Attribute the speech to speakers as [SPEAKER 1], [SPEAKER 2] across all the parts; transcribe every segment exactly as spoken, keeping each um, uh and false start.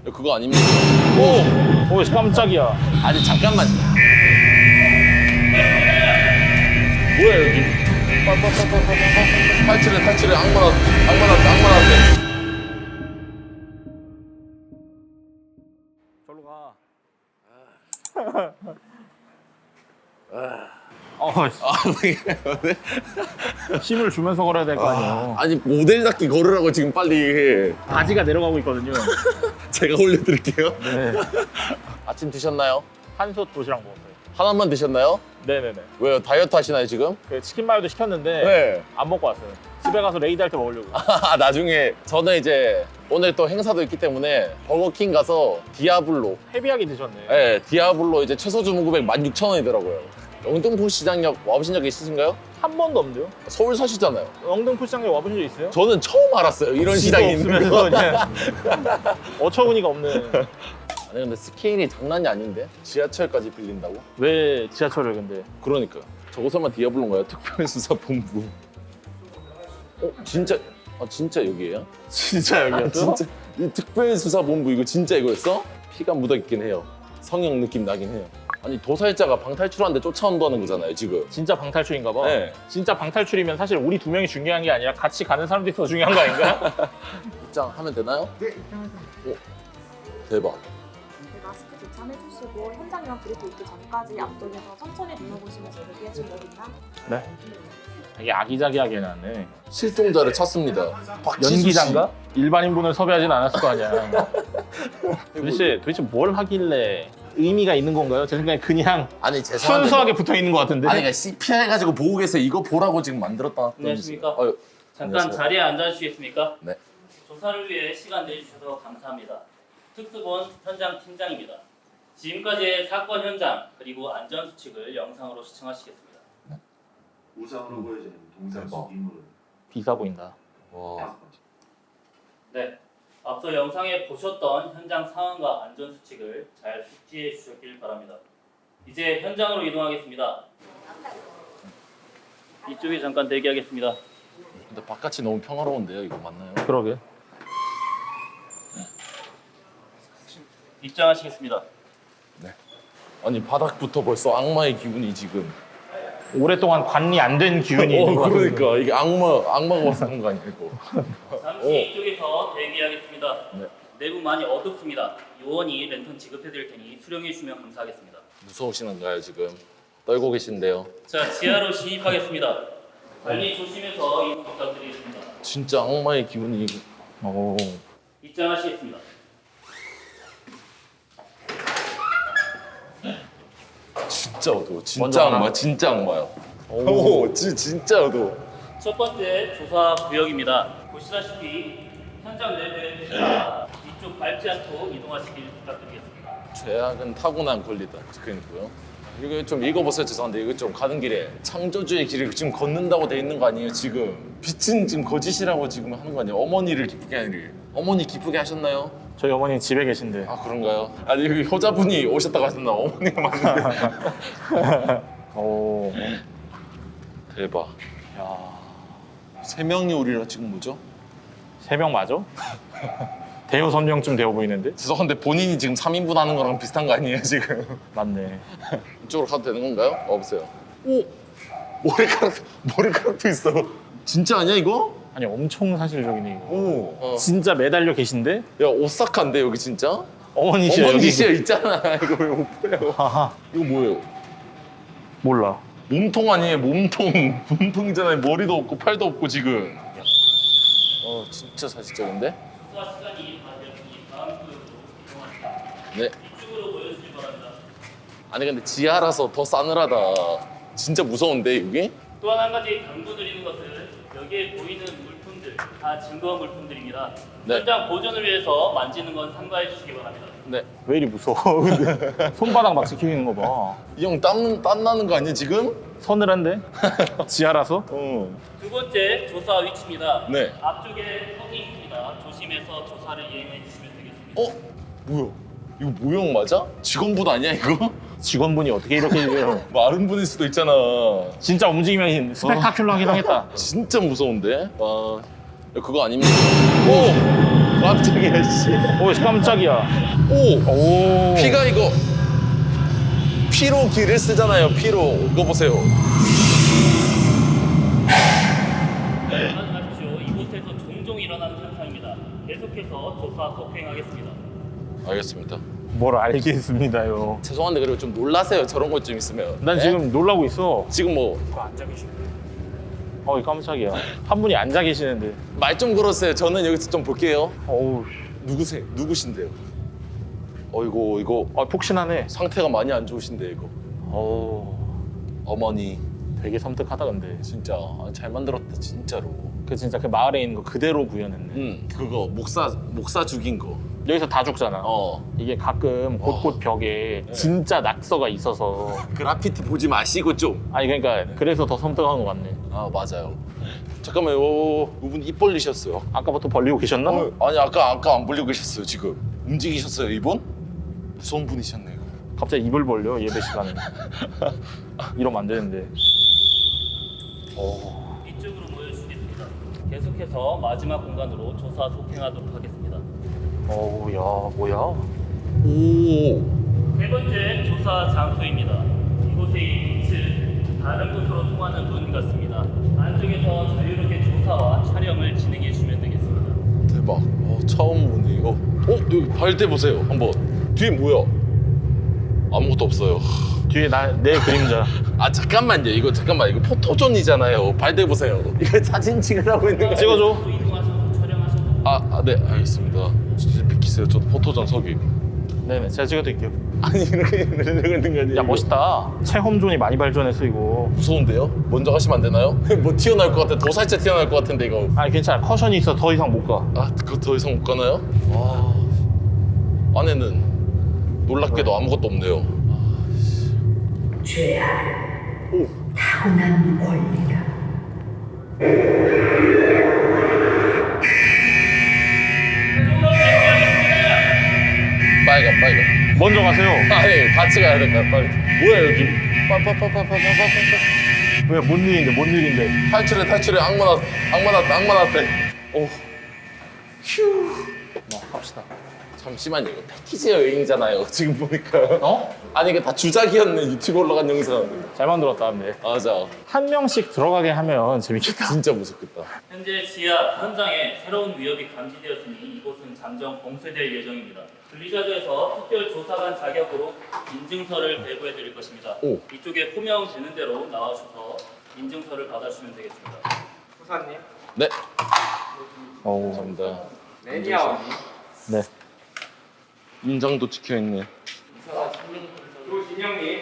[SPEAKER 1] 그거 아닙니까?
[SPEAKER 2] 오! 오, 깜짝이야.
[SPEAKER 1] 아니 잠깐만. 뭐야 여기? 탈출해 탈출해 악마라 악마라 악마라한테.
[SPEAKER 2] 저로 가. 어,
[SPEAKER 1] 아,
[SPEAKER 2] 힘을 주면서 걸어야 될 거 아니에요.
[SPEAKER 1] 아니 모델답게 걸으라고 지금 빨리.
[SPEAKER 2] 바지가 내려가고 있거든요.
[SPEAKER 1] 제가 올려드릴게요.
[SPEAKER 2] 네.
[SPEAKER 1] 아침 드셨나요?
[SPEAKER 2] 한솥 도시락 먹었어요.
[SPEAKER 1] 하나만 드셨나요?
[SPEAKER 2] 네네네.
[SPEAKER 1] 왜요? 다이어트 하시나요 지금?
[SPEAKER 2] 그 치킨 마요도 시켰는데
[SPEAKER 1] 네.
[SPEAKER 2] 안 먹고 왔어요. 집에 가서 레이드 할 때 먹으려고.
[SPEAKER 1] 아, 나중에 저는 이제 오늘 또 행사도 있기 때문에 버거킹 가서 디아블로.
[SPEAKER 2] 헤비하게 드셨네.
[SPEAKER 1] 네, 디아블로 이제 최소 주문금액 만 육천 원이더라고요. 영등포 시장역 와보신 적 있으신가요?
[SPEAKER 2] 한 번도 없는데요?
[SPEAKER 1] 서울 사시잖아요.
[SPEAKER 2] 영등포 시장에 와보신 적 있어요?
[SPEAKER 1] 저는 처음 알았어요. 이런 시장이 있는 거.
[SPEAKER 2] 그냥 어처구니가 없네.
[SPEAKER 1] 아니 근데 스케일이 장난이 아닌데? 지하철까지 빌린다고?
[SPEAKER 2] 왜 지하철을 근데?
[SPEAKER 1] 그러니까 저거 설마 디아블로인가요? 특별수사본부. 어? 진짜? 아 진짜 여기예요?
[SPEAKER 2] 진짜 여기였어?
[SPEAKER 1] 진짜 이 특별수사본부 이거 진짜 이거였어? 피가 묻어있긴 해요. 성형 느낌 나긴 해요. 아니 도살자가 방탈출하는데 쫓아온다는 거잖아요 지금.
[SPEAKER 2] 진짜 방탈출인가 봐.
[SPEAKER 1] 네.
[SPEAKER 2] 진짜 방탈출이면 사실 우리 두 명이 중요한 게 아니라 같이 가는 사람들이 더 중요한 거 아닌가?
[SPEAKER 1] 입장하면 되나요?
[SPEAKER 3] 네, 입장하세요.
[SPEAKER 1] 오, 대박.
[SPEAKER 3] 네, 마스크 조참해주시고 현장이랑 그리고 있기 전까지 앞쪽에서 천천히 눌러보시면서 대기해 주거든요.
[SPEAKER 2] 네. 되게 아기자기하게 해놨네.
[SPEAKER 1] 실종자를 찾습니다. 박지수 씨.
[SPEAKER 2] 연기자인가? 일반인분을 섭외하진 않았을 거 아니야. 도대체, 도대체 뭘 하길래 의미가 있는 건가요? 제 생각에 그냥
[SPEAKER 1] 아니 죄송한데
[SPEAKER 2] 순수하게 붙어 있는 것 같은데.
[SPEAKER 1] 아니 그러니까 씨피알 가지고 보고 계세요. 이거 보라고 지금 만들었다.
[SPEAKER 4] 안녕하십니까?
[SPEAKER 1] 어휴,
[SPEAKER 4] 잠깐
[SPEAKER 1] 안녕하세요.
[SPEAKER 4] 자리에 앉아주시겠습니까?
[SPEAKER 1] 네.
[SPEAKER 4] 조사를 위해 시간 내주셔서 감사합니다. 특수본 현장 팀장입니다. 지금까지의 사건 현장 그리고 안전 수칙을 영상으로 시청하시겠습니다.
[SPEAKER 5] 우상으로 보여지는 동상
[SPEAKER 1] 대박.
[SPEAKER 5] 속 인물은
[SPEAKER 2] 비싸 보인다.
[SPEAKER 1] 와.
[SPEAKER 5] 다섯 번째.
[SPEAKER 4] 네, 앞서 영상에 보셨던 현장 상황과 안전 수칙을 잘 숙지해 주셨길 바랍니다. 이제 현장으로 이동하겠습니다. 이쪽에 잠깐 대기하겠습니다.
[SPEAKER 1] 근데 바깥이 너무 평화로운데요. 이거 맞나요?
[SPEAKER 2] 그러게.
[SPEAKER 4] 입장하시겠습니다.
[SPEAKER 1] 아니 바닥부터 벌써 악마의 기운이 지금.
[SPEAKER 2] 오랫동안 관리 안 된 기운이 있는 것
[SPEAKER 1] 어,
[SPEAKER 2] 같은데.
[SPEAKER 1] 그러니까 이게 악마 악마가 와서 그런 거 아니고.
[SPEAKER 4] 잠시
[SPEAKER 1] 오.
[SPEAKER 4] 이쪽에서 대기하겠습니다.
[SPEAKER 1] 네.
[SPEAKER 4] 내부 많이 어둡습니다. 요원이 랜턴 지급해 드릴 테니 수령해 주시면 감사하겠습니다.
[SPEAKER 1] 무서우시는가요 지금? 떨고 계신데요.
[SPEAKER 4] 자, 지하로 진입하겠습니다. 관리 조심해서 이동 부탁드리겠습니다.
[SPEAKER 1] 진짜 악마의 기운이.
[SPEAKER 2] 오.
[SPEAKER 4] 입장하시겠습니다.
[SPEAKER 1] 진짜 어두워.
[SPEAKER 2] 먼저
[SPEAKER 1] 진짜
[SPEAKER 2] 하나.
[SPEAKER 1] 악마. 진짜 악마요.
[SPEAKER 2] 오.
[SPEAKER 1] 오, 지, 진짜 어두워.
[SPEAKER 4] 첫 번째 조사 구역입니다. 보시다시피 현장 내부에 계시다 이쪽 밟지 않고 이동하시길 부탁드리겠습니다.
[SPEAKER 1] 죄악은 타고난 권리다. 그러니까요. 이거 좀 읽어보세요. 죄송한데 이거 좀 가는 길에 창조주의 길을 지금 걷는다고 돼 있는 거 아니에요 지금? 빛은 지금 거짓이라고 지금 하는 거 아니에요? 어머니를 기쁘게 하기를. 어머니 기쁘게 하셨나요?
[SPEAKER 2] 저희 어머니 집에 계신데.
[SPEAKER 1] 아 그런가요? 아니 여기 효자분이 오셨다고 하셨나? 어머니가 맞는데.
[SPEAKER 2] 오.
[SPEAKER 1] 대박.
[SPEAKER 2] 야.
[SPEAKER 1] 세 명이 오리라 지금 뭐죠?
[SPEAKER 2] 세 명 맞아? 대여 선명쯤 되어 보이는데?
[SPEAKER 1] 죄송한데 본인이 지금 삼 인분 하는 거랑 비슷한 거 아니에요 지금?
[SPEAKER 2] 맞네.
[SPEAKER 1] 이쪽으로 가도 되는 건가요? 어, 없어요. 오! 머리카락, 머리카락도 있어. 진짜 아니야 이거?
[SPEAKER 2] 아니 엄청 사실적이네 이거.
[SPEAKER 1] 오. 어.
[SPEAKER 2] 진짜 매달려 계신데?
[SPEAKER 1] 야 오사카인데 여기 진짜?
[SPEAKER 2] 어머니시여 여기.
[SPEAKER 1] 어머니시여 있잖아. 이거 왜 못 보여?
[SPEAKER 2] 하하.
[SPEAKER 1] 이거 뭐예요?
[SPEAKER 2] 몰라.
[SPEAKER 1] 몸통 아니에요 몸통. 몸통이잖아요. 머리도 없고 팔도 없고 지금. 어 진짜 사실적인데?
[SPEAKER 4] 수사 시간이 다 되었으니 다음 구역으로 이동하시겠습니다.
[SPEAKER 1] 네.
[SPEAKER 4] 이쪽으로 모여주시기 바랍니다.
[SPEAKER 1] 아니 근데 지하라서 더 싸늘하다. 진짜 무서운데 여기?
[SPEAKER 4] 또한 한 가지 당부드리는 것은 여기에 보이는 물품들 다 증거 물품들입니다.
[SPEAKER 1] 네.
[SPEAKER 4] 현장 보존을 위해서 만지는 건 삼가해 주시기 바랍니다.
[SPEAKER 1] 네.
[SPEAKER 2] 왜 이리 무서워? 근데 손바닥 막 지키는 거 봐.
[SPEAKER 1] 이 형 땀, 땀 나는 거 아니야 지금?
[SPEAKER 2] 서늘한데? 지하라서?
[SPEAKER 1] 어.
[SPEAKER 4] 두 번째 조사 위치입니다.
[SPEAKER 1] 네.
[SPEAKER 4] 앞쪽에 턱이 있습니다. 조심해서 조사를 이행해 주시면 되겠습니다.
[SPEAKER 1] 어? 뭐야? 이거 모형 맞아? 직원분 아니야 이거?
[SPEAKER 2] 직원분이 어떻게 이렇게 해요?
[SPEAKER 1] 마른 분일 수도 있잖아.
[SPEAKER 2] 진짜 움직이면 스펙타큘러하긴 하겠다.
[SPEAKER 1] 진짜 무서운데? 와, 야, 그거 아닙니까? 오! 깜짝이야 씨.
[SPEAKER 2] 오 깜짝이야.
[SPEAKER 1] 오
[SPEAKER 2] 오.
[SPEAKER 1] 피가 이거 피로 길을 쓰잖아요. 피로 이거 보세요.
[SPEAKER 4] 말씀하십시오. 이곳에서 종종 일어나는 현상입니다. 계속해서 조사 속행하겠습니다.
[SPEAKER 1] 알겠습니다.
[SPEAKER 2] 뭘 알겠습니다요.
[SPEAKER 1] 죄송한데 그리고 좀 놀라세요. 저런 것 좀 있으면.
[SPEAKER 2] 난
[SPEAKER 1] 네?
[SPEAKER 2] 지금 놀라고 있어.
[SPEAKER 1] 지금 뭐
[SPEAKER 2] 어이 깜짝이야. 한 분이 앉아 계시는데.
[SPEAKER 1] 말 좀 걸었어요. 저는 여기서 좀 볼게요.
[SPEAKER 2] 어우.
[SPEAKER 1] 누구세요? 누구신데요? 어이고 이거
[SPEAKER 2] 아 폭신하네.
[SPEAKER 1] 상태가 많이 안 좋으신데 이거.
[SPEAKER 2] 어우.
[SPEAKER 1] 어머니
[SPEAKER 2] 되게 섬뜩하다 근데.
[SPEAKER 1] 진짜 아, 잘 만들었다 진짜로.
[SPEAKER 2] 그 진짜 그 마을에 있는 거 그대로 구현했네.
[SPEAKER 1] 응 그거 목사 목사 죽인 거.
[SPEAKER 2] 여기서 다 죽잖아.
[SPEAKER 1] 어
[SPEAKER 2] 이게 가끔 곳곳 벽에 진짜 낙서가 있어서.
[SPEAKER 1] 그래피티 보지 마시고 좀.
[SPEAKER 2] 아니 그러니까 그래서 더 섬뜩한 것 같네.
[SPEAKER 1] 아 맞아요. 잠깐만요. 오, 이분 입 벌리셨어요.
[SPEAKER 2] 아까부터 벌리고 계셨나?
[SPEAKER 1] 어, 아니 아까 아까 안 벌리고 계셨어요 지금. 움직이셨어요 이분? 무서운 분이셨네요.
[SPEAKER 2] 갑자기 입을 벌려 예배 시간에. 이러면 안 되는데. 어.
[SPEAKER 4] 이쪽으로 모여주시겠습니다. 계속해서 마지막 공간으로 조사 속행하도록 하겠습니다.
[SPEAKER 2] 어우 야 뭐야?
[SPEAKER 1] 오.
[SPEAKER 4] 세 번째 조사 장소입니다. 이곳의 이 빛은 다른 곳으로 통하는 문 같습니다. 안쪽에서 자유롭게 조사와 촬영을 진행해 주시면 되겠습니다.
[SPEAKER 1] 대박. 어, 처음 보네 이거. 어 여기 발대 보세요 한번. 뒤에 뭐야? 아무것도 없어요.
[SPEAKER 2] 뒤에 나 내 그림자.
[SPEAKER 1] 아 잠깐만요. 이거 잠깐만 이거 포토존이잖아요. 발대 보세요. 이거 사진 찍으라고 있는 거.
[SPEAKER 2] 찍어줘.
[SPEAKER 4] 또 이동하셔서 촬영하셔도
[SPEAKER 1] 아, 아, 네 알겠습니다. 진짜 비키세요. 저도 포토존 서기.
[SPEAKER 2] 네네 제가 찍어드릴게요.
[SPEAKER 1] 아니 이렇게 이러고 있는 거 아니에요?
[SPEAKER 2] 야 멋있다. 체험존이 많이 발전했어 이거.
[SPEAKER 1] 무서운데요? 먼저 가시면 안 되나요? 뭐 튀어나올 것 같아. 도살자 튀어나올 것 같은데 이거.
[SPEAKER 2] 아니 괜찮아. 커션이 있어 더 이상 못 가.
[SPEAKER 1] 아, 그거 더 이상 못 가나요? 와. 안에는 놀랍게도 아무것도 없네요.
[SPEAKER 6] 죄악, 타고난 권리다.
[SPEAKER 1] 빨간 빨간.
[SPEAKER 2] 먼저 가세요.
[SPEAKER 1] 아니 같이 가야 될까 빨리. 뭐야 여기? 빠빠빠빠빠빠빠빠.
[SPEAKER 2] 왜 뭔 일인데 뭔 일인데.
[SPEAKER 1] 탈출해 탈출해. 악마 났 악마 났다 악마 났대. 오. 휴.
[SPEAKER 2] 뭐 갑시다.
[SPEAKER 1] 잠시만요. 이거 패키지 여행이잖아요. 지금 보니까.
[SPEAKER 2] 어?
[SPEAKER 1] 아니 이게 다 주작이었네. 유튜브 올라간 영상.
[SPEAKER 2] 잘 만들었다 근데.
[SPEAKER 1] 맞아.
[SPEAKER 2] 한 명씩 들어가게 하면 재밌겠다.
[SPEAKER 1] 진짜 무섭겠다.
[SPEAKER 4] 현재 지하 현장에 새로운 위협이 감지되었으니 이곳은 잠정 봉쇄될 예정입니다. 분리자드에서 특별 조사관 자격으로 인증서를 배부해 드릴 것입니다.
[SPEAKER 1] 오.
[SPEAKER 4] 이쪽에 호명되는 대로 나와주셔서 인증서를 받아주시면 되겠습니다.
[SPEAKER 7] 부사님,
[SPEAKER 1] 네.
[SPEAKER 2] 어우.
[SPEAKER 1] 감사합니다.
[SPEAKER 7] 매니아원님,
[SPEAKER 2] 네.
[SPEAKER 1] 인장도 찍혀 있네.
[SPEAKER 7] 조진영님,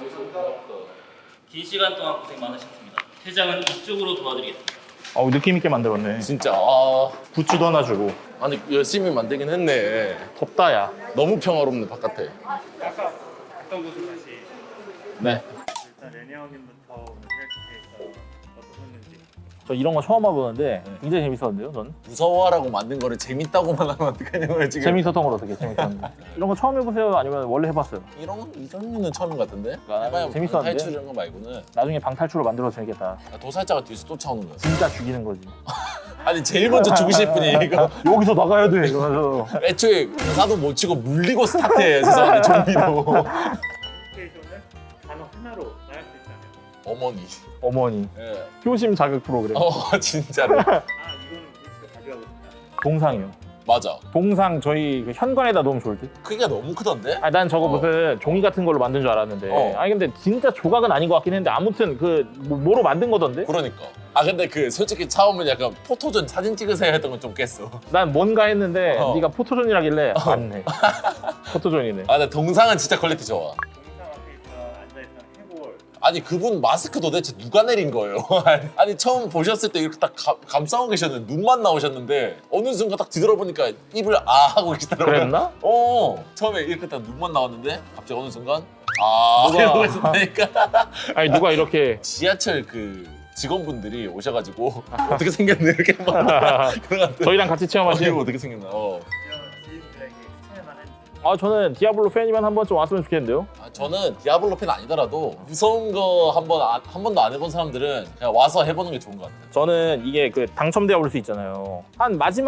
[SPEAKER 4] 긴 시간 동안 고생 많으셨습니다. 퇴장은 이쪽으로 도와드리겠습니다.
[SPEAKER 2] 어우 느낌 있게 만들었네.
[SPEAKER 1] 진짜 아
[SPEAKER 2] 굿즈도 하나 주고.
[SPEAKER 1] 아니 열심히 만들긴 했네.
[SPEAKER 2] 덥다 야.
[SPEAKER 1] 너무 평화롭네 바깥에.
[SPEAKER 7] 아까 어떤 곳을 다시
[SPEAKER 1] 네.
[SPEAKER 7] 일단 레니아원님부터 생각해 어떠셨는지.
[SPEAKER 2] 저 이런 거 처음 와보는데 굉장히 재밌었는데요, 전?
[SPEAKER 1] 무서워하라고 만든 거를 재밌다고만 하면 어떡하냐고요 지금.
[SPEAKER 2] 재밌었던 걸 어떻게 재밌었는데? 이런 거 처음 해보세요? 아니면 원래 해봤어요?
[SPEAKER 1] 이런 건 이 종류는 처음인 것 같은데.
[SPEAKER 2] 아,
[SPEAKER 1] 해봐야
[SPEAKER 2] 재밌었는데?
[SPEAKER 1] 탈출 이런 거 말고는
[SPEAKER 2] 나중에 방탈출로 만들어서 재밌겠다.
[SPEAKER 1] 아, 도살자가 뒤에서 쫓아오는 거야.
[SPEAKER 2] 진짜 죽이는 거지.
[SPEAKER 1] 아니 제일 먼저 죽으실 분이 이거.
[SPEAKER 2] 여기서 나가야 돼 이러면서.
[SPEAKER 1] 애초에 사도 못 치고 물리고 스타트해요. 죄송한데 좀비로.
[SPEAKER 7] 시츄에이션을 단어 하나로 말할 수 있다면
[SPEAKER 1] 어머니.
[SPEAKER 2] 어머니.
[SPEAKER 1] 예.
[SPEAKER 2] 효심 자극 프로그램.
[SPEAKER 1] 어 진짜로.
[SPEAKER 7] 아 이거는 우리 집에 가져가고 싶다.
[SPEAKER 2] 동상이요.
[SPEAKER 1] 맞아.
[SPEAKER 2] 동상 저희 그 현관에다 놓으면 좋을 듯?
[SPEAKER 1] 크기가 너무 크던데?
[SPEAKER 2] 아니 난 저거
[SPEAKER 1] 어.
[SPEAKER 2] 무슨 종이 같은 걸로 만든 줄 알았는데
[SPEAKER 1] 어.
[SPEAKER 2] 아니 근데 진짜 조각은 아닌 것 같긴 했는데 아무튼 그 뭐, 뭐로 만든 거던데?
[SPEAKER 1] 그러니까. 아 근데 그 솔직히 처음은 약간 포토존 사진 찍으세요 했던 건 좀 깼어.
[SPEAKER 2] 난 뭔가 했는데
[SPEAKER 1] 어.
[SPEAKER 2] 네가 포토존이라길래 맞네. 포토존이네.
[SPEAKER 1] 아 근데 동상은 진짜 퀄리티 좋아.
[SPEAKER 7] 동상 앞에 있던 앉아있던 해골.
[SPEAKER 1] 아니 그분 마스크 도대체 누가 내린 거예요? 아니 처음 보셨을 때 이렇게 딱 감, 감싸고 계셨는데 눈만 나오셨는데 어느 순간 딱 뒤돌아보니까 입을 아 하고 계시더라고요.
[SPEAKER 2] 그랬나?
[SPEAKER 1] 어 처음에 이렇게 딱 눈만 나왔는데 갑자기 어느 순간 아
[SPEAKER 2] 누가-
[SPEAKER 1] 이러고 있었다니까.
[SPEAKER 2] 아니 누가 이렇게
[SPEAKER 1] 지하철 그 직원분들이 오셔가지고 어떻게 생겼네 이렇게 막 그래가지고
[SPEAKER 2] 저희랑 같이
[SPEAKER 1] 어,
[SPEAKER 2] 체험하신
[SPEAKER 1] 이거 어떻게 생겼나. 어.
[SPEAKER 7] 이런 지인들에게 추천할 만한
[SPEAKER 2] 아 저는 디아블로 팬이면 한 번쯤 왔으면 좋겠는데요.
[SPEAKER 1] 아, 저는 디아블로 팬 아니더라도 무서운 거 한 번 한 번도 안 해본 사람들은 그냥 와서 해보는 게 좋은 것 같아요.
[SPEAKER 2] 저는 이게 그 당첨되어 올 수 있잖아요. 한 마지막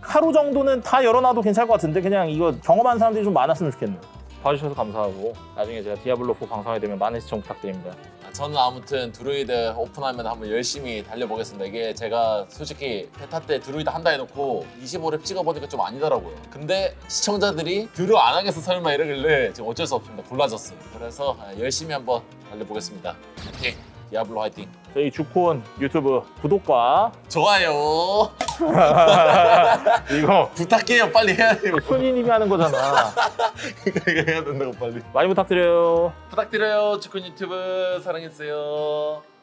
[SPEAKER 2] 하루 정도는 다 열어놔도 괜찮을 것 같은데 그냥 이거 경험한 사람들이 좀 많았으면 좋겠네요. 봐주셔서 감사하고 나중에 제가 디아블로 사 방송하게 되면 많은 시청 부탁드립니다.
[SPEAKER 1] 저는 아무튼 드루이드 오픈하면 한번 열심히 달려보겠습니다. 이게 제가 솔직히 베타 때 드루이드 한다 해놓고 이십오 렙 찍어보니까 좀 아니더라고요. 근데 시청자들이 드루 안 하겠어 설마 이러길래 지금 어쩔 수 없습니다. 골라졌어요. 그래서 열심히 한번 달려보겠습니다. 화이팅! 디아블로 화이팅!
[SPEAKER 2] 저희 주콘 유튜브 구독과
[SPEAKER 1] 좋아요.
[SPEAKER 2] 이거
[SPEAKER 1] 부탁해요. 빨리 해야 돼요.
[SPEAKER 2] 순이님이 하는 거잖아.
[SPEAKER 1] 이거 해야 된다고 빨리.
[SPEAKER 2] 많이 부탁드려요.
[SPEAKER 1] 부탁드려요. 주콘 유튜브 사랑해주세요.